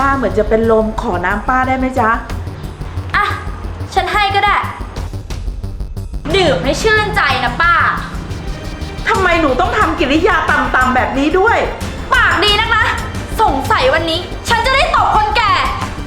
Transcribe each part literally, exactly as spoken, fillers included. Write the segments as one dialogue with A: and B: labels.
A: าเหมือนจะเป็นลมขอน้ำป้าได้ไหมจ๊ะ
B: อ่ะฉันให้ก็ได้ดื่มให้ชื่นใจนะป้า
A: ทำไมหนูต้องทำกิริยาต่ำๆแบบนี้ด้วย
B: ปากดีนักนะสงสัยวันนี้ฉันจะได้ตบคนแก่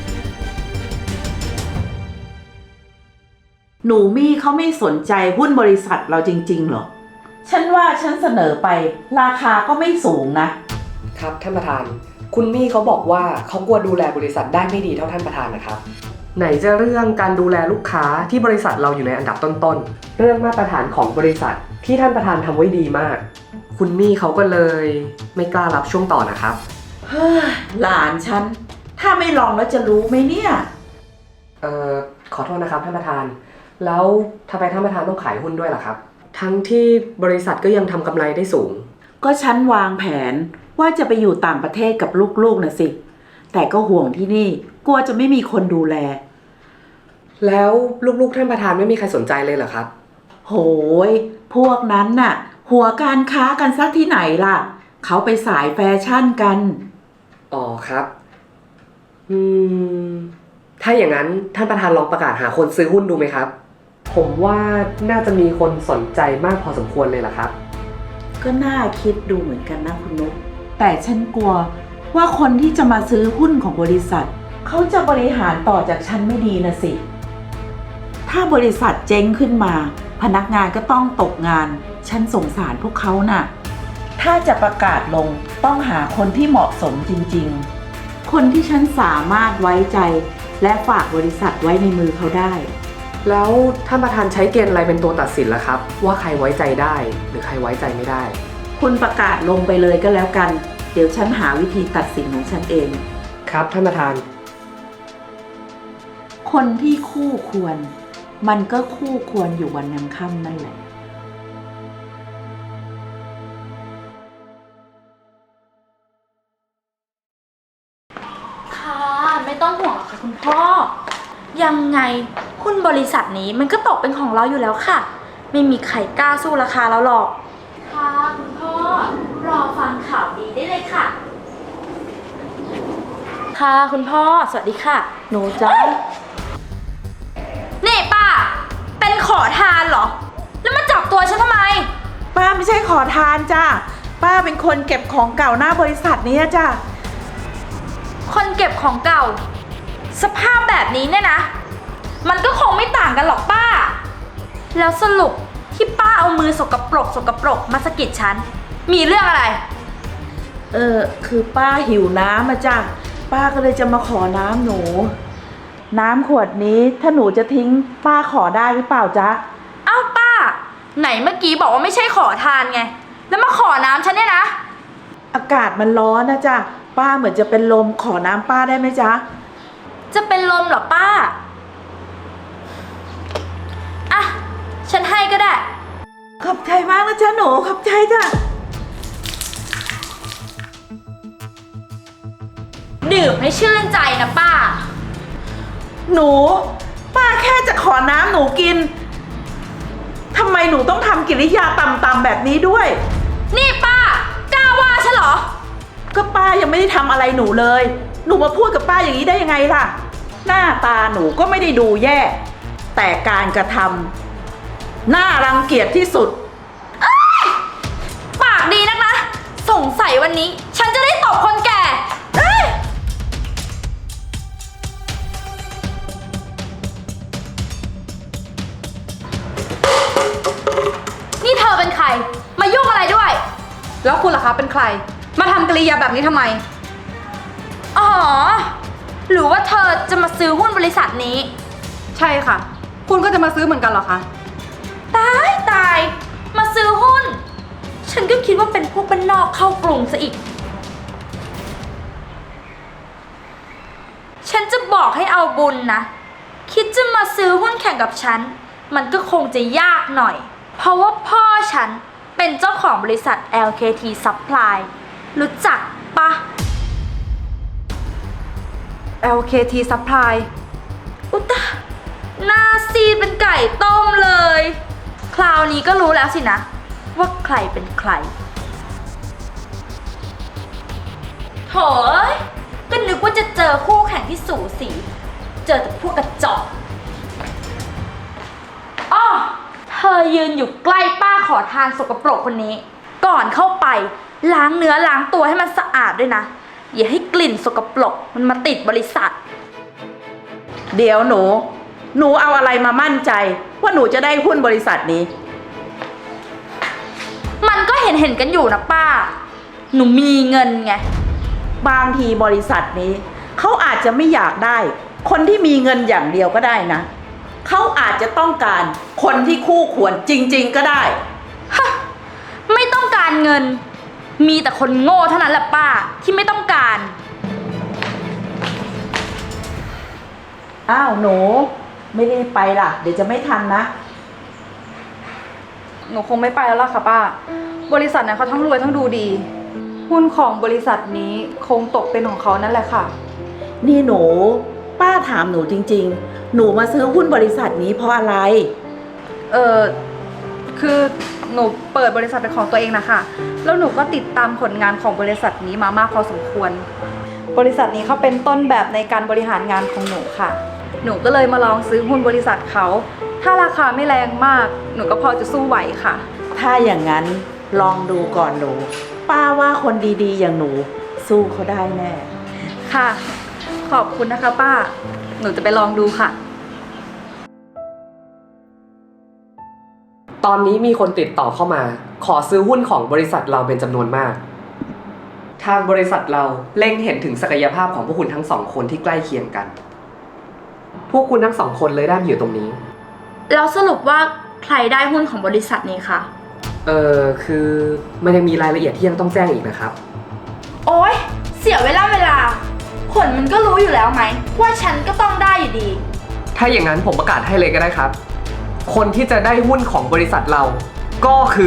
A: หนูมี่เขาไม่สนใจหุ้นบริษัทเราจริงๆหรอฉันว่าฉันเสนอไปราคาก็ไม่สูงนะครับ
C: ท่านประธานคุณมี่เขาบอกว่าเขากลัวดูแลบริษัทได้ไม่ดีเท่าท่านประธานนะครับไหนจะเรื่องการดูแลลูกค้าที่บริษัทเราอยู่ในอันดับต้นๆเรื่องมาตรฐานของบริษัทที่ท่านประธานทำไว้ดีมากคุณมี่เขาก็เลยไม่กล้ารับช่วงต่อนะครับ
A: เฮ้ยหลานฉันถ้าไม่ลองแล้วจะรู้ไหมเนี่ย
C: เอ่อขอโทษนะครับท่านประธานแล้วทำไมท่านประธานต้องขายหุ้นด้วยล่ะครับทั้งที่บริษัทก็ยังทำกำไรได้สูง
A: ก็ฉันวางแผนว่าจะไปอยู่ต่างประเทศกับลูกๆนะสิแต่ก็ห่วงที่นี่กลัวจะไม่มีคนดูแล
C: แล้วลูกๆท่านประธานไม่มีใครสนใจเลยเหรอครับ
A: โหยพวกนั้นน่ะหัวการค้ากันซะที่ไหนล่ะเขาไปสายแฟชั่นกัน
C: อ๋อครับอืมถ้าอย่างนั้นท่านประธานลองประกาศหาคนซื้อหุ้นดูไหมครับผมว่าน่าจะมีคนสนใจมากพอสมควรเลยล่ะครับ
A: ก็น่าคิดดูเหมือนกันนะคุณนุ๊กแต่ฉันกลัวว่าคนที่จะมาซื้อหุ้นของบริษัทเขาจะบริหารต่อจากฉันไม่ดีนะสิถ้าบริษัทเจ๊งขึ้นมาพนักงานก็ต้องตกงานฉันสงสารพวกเขาน่ะถ้าจะประกาศลงต้องหาคนที่เหมาะสมจริงๆคนที่ฉันสามารถไว้ใจและฝากบริษัทไว้ในมือเขาได้
C: แล้วท่านประธานใช้เกณฑ์อะไรเป็นตัวตัดสินล่ะครับว่าใครไว้ใจได้หรือใครไว้ใจไม่ได้
A: คุณประกาศลงไปเลยก็แล้วกันเดี๋ยวฉันหาวิธีตัดสินของฉันเอง
C: ครับท่านประธาน
A: คนที่คู่ควรมันก็คู่ควรอยู่วันยังค่ำนั่นแหละ
B: ค่ะไม่ต้องห่วงค่ะคุณพ่อยังไงหุ้นบริษัทนี้มันก็ตกเป็นของเราอยู่แล้วค่ะไม่มีใครกล้าสู้ราคาเราหรอกค่ะคุณพ่อรอฟังข่าวดีได้เลยค่ะค่ะคุณพ่อสวัสดีค่ะ
A: หนูจ้า
B: นี่ป้าเป็นขอทานเหรอแล้วมาจับตัวฉันทำไม
A: ป้าไม่ใช่ขอทานจ้าป้าเป็นคนเก็บของเก่าหน้าบริษัทนี้จ้า
B: คนเก็บของเก่าสภาพแบบนี้เนี่ยนะมันก็คงไม่ต่างกันหรอกป้าแล้วสรุปที่ป้าเอามือสกปรกสกปรกมาสะกิดฉันมีเรื่องอะไร
A: เออคือป้าหิวน้ำมาจ้ะป้าก็เลยจะมาขอน้ำหนูน้ำขวดนี้ถ้าหนูจะทิ้งป้าขอได้หรือเปล่าจ๊ะ
B: อ้าวป้าไหนเมื่อกี้บอกว่าไม่ใช่ขอทานไงแล้วมาขอน้ำฉันเนี่ยนะ
A: อากาศมันร้อนนะจ๊ะป้าเหมือนจะเป็นลมขอน้ำป้าได้ไหมจ๊ะ
B: จะเป็นลมเหรอป้าอ่ะฉันให้ก็ได้
A: ขอบใจมากนะจ๊ะหนูขอบใจจ้ะ
B: ดื่มให้ชื่นใจนะป้า
A: หนูป้าแค่จะขอน้ำหนูกินทำไมหนูต้องทำกิริยาต่ำๆแบบนี้ด้วย
B: นี่ป้ากล้าว่าฉันเหรอ
A: ก็ป้ายังไม่ได้ทำอะไรหนูเลยหนูมาพูดกับป้าอย่างนี้ได้ยังไงล่ะหน้าตาหนูก็ไม่ได้ดูแย่แต่การกระทำน่ารังเกียจที่สุด
B: ปากดีนักนะสงสัยวันนี้ฉันจะได้ตบคนแก่นี่เธอเป็นใครมายุ่งอะไรด้วย
D: แล้วคุณล่ะคะเป็นใครมาทำกริยาแบบนี้ทำไม
B: อ๋อหรือว่าเธอจะมาซื้อหุ้นบริษัทนี้
D: ใช่ค่ะคุณก็จะมาซื้อเหมือนกันเหรอคะ
B: ตายตายมาซื้อหุ้นฉันก็คิดว่าเป็นพวกบ้านนอกเข้ากรุงซะอีกฉันจะบอกให้เอาบุญนะคิดจะมาซื้อหุ้นแข่งกับฉันมันก็คงจะยากหน่อยเพราะว่าพ่อฉันเป็นเจ้าของบริษัท แอล เค ที Supply รู้จักปะ
D: แอล เค ที Supply
B: อุตะหน้าซีดเป็นไก่ต้มเลยคราวนี้ก็รู้แล้วสินะว่าใครเป็นใครโถ่ก็นึกว่าจะเจอคู่แข่งที่สูสี เจอแต่พวกกระจอกอ้อเธอยืนอยู่ใกล้ป้าขอทานสกปรกคนนี้ ก่อนเข้าไปล้างเนื้อล้างตัวให้มันสะอาดด้วยนะ อย่าให้กลิ่นสกปรกมันมาติดบริษัท
A: เดี๋ยวหนู หนูเอาอะไรมามั่นใจว่าหนูจะได้หุ้นบริษัทนี้
B: มันก็เห็นเห็นๆกันอยู่นะป้า หนูมีเงินไง
A: บางทีบริษัทนี้เขาอาจจะไม่อยากได้ คนที่มีเงินอย่างเดียวก็ได้นะ เขาอาจจะต้องการคนที่คู่ควรจริงๆก็ได้
B: ฮะ ไม่ต้องการเงิน มีแต่คนโง่เท่านั้นแหละป้าที่ไม่ต้องการ
A: อ้าวหนู ไม่ได้ไปล่ะ เดี๋ยวจะไม่ทันนะ
D: หนูคงไม่ไปแล้วล่ะค่ะป้า บริษัทนั้นเขาทั้งรวยทั้งดูดี หุ้นของบริษัทนี้คงตกเป็นของเขานั่นแหละค่ะ
A: นี่หนู ป้าถามหนูจริงๆ หนูมาซื้อหุ้นบริษัทนี้เพราะอะไร
D: เออคือหนูเปิดบริษัทเป็นของตัวเองนะคะ แล้วหนูก็ติดตามผลงานของบริษัทนี้มามากพอสมควร บริษัทนี้เขาเป็นต้นแบบในการบริหารงานของหนูค่ะ หนูก็เลยมาลองซื้อหุ้นบริษัทเขา ถ้าราคาไม่แรงมาก หนูก็พอจะสู้ไหวค่ะ
A: ถ้าอย่างนั้นลองดูก่อนหนู ป้าว่าคนดีๆ อย่างหนู สู้เขาได้แน่
D: ค่ะ ขอบคุณนะคะป้า หนูจะไปลองดูค่ะ
C: ตอนนี้มีคนติดต่อเข้ามา ขอซื้อหุ้นของบริษัทเราเป็นจำนวนมาก ทางบริษัทเราเล็งเห็นถึงศักยภาพของพวกคุณทั้งสองคนที่ใกล้เคียงกัน พวกคุณทั้งสองคนเลยได้มาอยู่ตรงนี้
B: แล้วสรุปว่าใครได้หุ้นของบริษัทนี้คะ
C: เออคือมันยังมีรายละเอียดที่ยังต้องแจ้งอีกนะครับ
B: โอ๊ย เสียเวลาเวลาผลมันก็รู้อยู่แล้วไหมว่าฉันก็ต้องได้อยู่ดี
C: ถ้าอย่างนั้นผมประกาศให้เลยก็ได้ครับ คนที่จะได้หุ้นของบริษัทเรา ก็คือ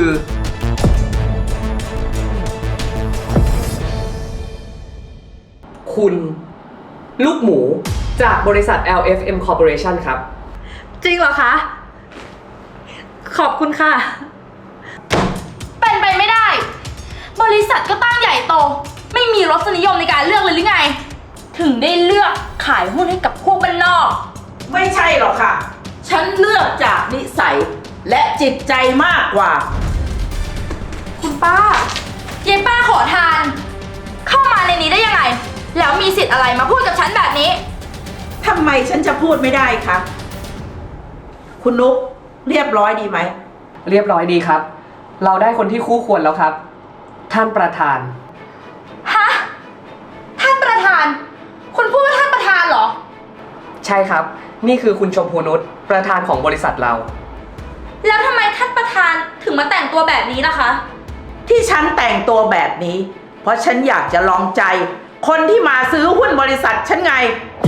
C: คุณลูกหมูจากบริษัท แอล เอฟ เอ็ม Corporation ครับ
D: จริงเหรอคะ ขอบคุณค่ะ
B: เป็นไปไม่ได้ บริษัทก็ตั้งใหญ่โต ไม่มีรสนิยมในการเลือกเลยหรือไง ถึงได้เลือกขายหุ้นให้กับพวกบ้านนอก
A: ไม่ใช่หรอกค่ะ ฉันเลือกจากนิสัยและจิตใจมากกว่า
B: คุณป้าเย้ป้าขอทาน เข้ามาในนี้ได้ยังไง แล้วมีสิทธิ์อะไรมาพูดกับฉันแบบนี้
A: ทำไมฉันจะพูดไม่ได้คะ คุณนุ๊กเรียบร้อยดีไหม
C: เรียบร้อยดีครับ เราได้คนที่คู่ควรแล้วครับ ท่านประธาน
B: ฮะ ท่านประธาน คุณพูดว่าท่านประธานเหรอ
C: ใช่ครับ นี่คือคุณชมพูนุชประธานของบริษัทเรา
B: แล้วทำไมท่านประธานถึงมาแต่งตัวแบบนี้ล่ะคะ
A: ที่ฉันแต่งตัวแบบนี้ เพราะฉันอยากจะลองใจ คนที่มาซื้อหุ้นบริษัทฉันไง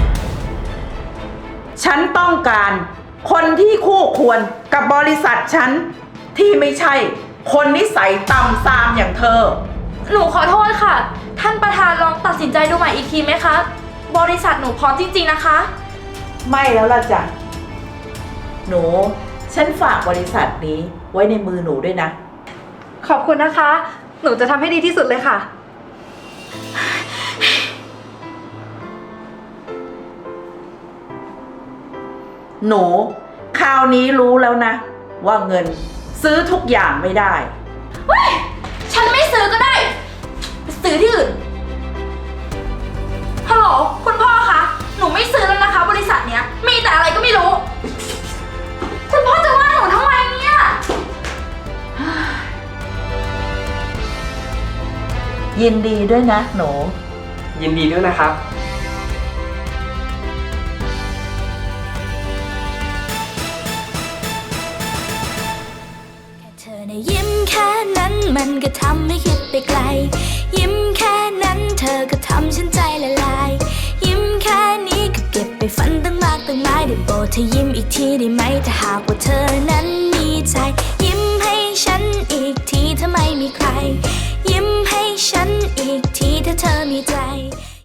A: ฉันต้องการคนที่คู่ควรกับบริษัทฉัน ที่ไม่ใช่คนนิสัยต่ำซามอย่างเธอ
B: หนูขอโทษค่ะ ท่านประธานลองตัดสินใจดูใหม่อีกทีไหมคะ บริษัทหนูพร้อมจริงๆนะคะ
A: ไม่แล้วล่ะจ้ะ หนู ฉันฝากบริษัทนี้ไว้ในมือหนูด้วยนะ
D: ขอบคุณนะคะ หนูจะทำให้ดีที่สุดเลยค่ะ
A: หนูคราวนี้รู้แล้วนะ ว่าเงินซื้อทุกอย่างไม่ได้
B: เฮ้ย ฉันไม่ซื้อก็ได้ไปซื้อที่อื่น ฮัลโหล คุณพ่อคะ หนูไม่ซื้อแล้วนะคะ บริษัทเนี้ย มีแต่อะไรก็ไม่รู้ คุณพ่อจะว่าหนูทำไมเนี่ย
A: ยินดีด้วยนะหนู
C: ยินดีด้วยนะครับ
E: เธอในะยิ้มแค่นั้นมันก็ทำให้คิดไปไกล ยิ้มแค่นั้นเธอก็ทำฉันใจละลาย ยิ้มแค่นี้ก็เก็บไปฝันตั้งมากตั้งหลายได้โปรดเธอยิ้มอีกทีได้ไหมถ้าหากว่าเธอนั้นมีใจ ยิ้มให้ฉันอีกทีถ้าไม่มีใคร ยิ้มให้ฉันอีกทีถ้าเธอมีใจ